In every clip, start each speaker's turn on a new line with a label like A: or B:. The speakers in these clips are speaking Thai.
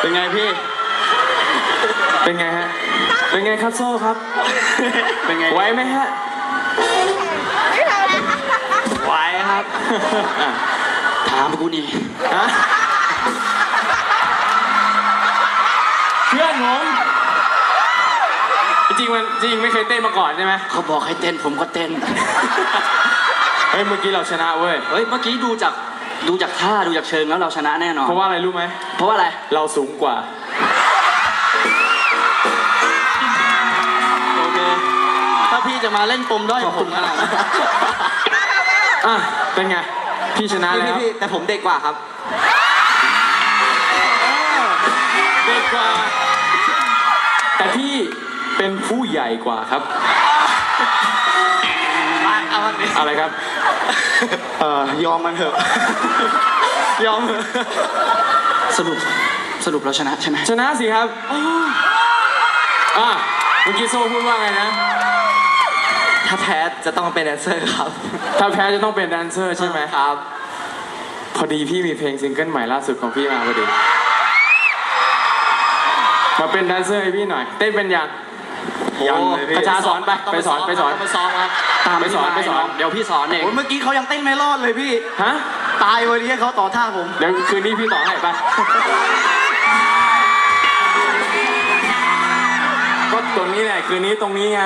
A: เป็นไงพี่เป็นไงฮะเป็นไงครับโซ่ครับเป็นไงไหวไหมฮะไหวครับถามกูนี่ฮะเพื่อนผมจริงไม่เคยเต้นมาก่อนใช่ไหมเขาบอกให้เต้นผมก็เต้นเฮ้ยเมื่อกี้เราชนะเว้ยเฮ้ยเมื่อกี้ดูจากท่าดูจากเชิงแล้วเราชนะแน่นอนเพราะว่าอะไรรู้ไหมเพราะว่าอะไรเราสูงกว่าโอเคถ้าพี่จะมาเล่นปมด้อยผมขนาดนั้นอ่ะเป็นไงพี่ชนะแล้วพี่แต่ผมเด็กกว่าครับเด็กกว่าแต่พี่เป็นผู้ใหญ่กว่าครับอะไรครับยอมมันเถอะยอมเถอะสรุปเราชนะใช่ไหมชนะสิครับเมื่อกี้โซ่พูดว่าไงนะถ้าแพ้จะต้องเป็นแดนเซอร์ครับถ้าแพ้จะต้องเป็นแดนเซอร์ใช่ไหมครับพอดีพี่มีเพลงซิงเกิลใหม่ล่าสุดของพี่มาพอดีมาเป็นแดนเซอร์ให้พี่หน่อยเต้นเป็นยังเลยพี่ประชาสอนไปสอนครับตามไปสอนเดี๋ยวพี่สอนเองเมื่อกี้เขายังเต้นไม่รอดเลยพี่ฮะตายวันนี้เขาต่อท่าผมเดี๋ยวคืนนี้พี่ต่อให้ไปก็ตรงนี้แหละคืนนี้ตรงนี้ไง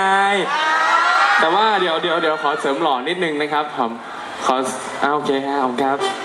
A: แต่ว่าเดี๋ยวขอเสริมหล่อนิดนึงนะครับผมขอโอเคครับ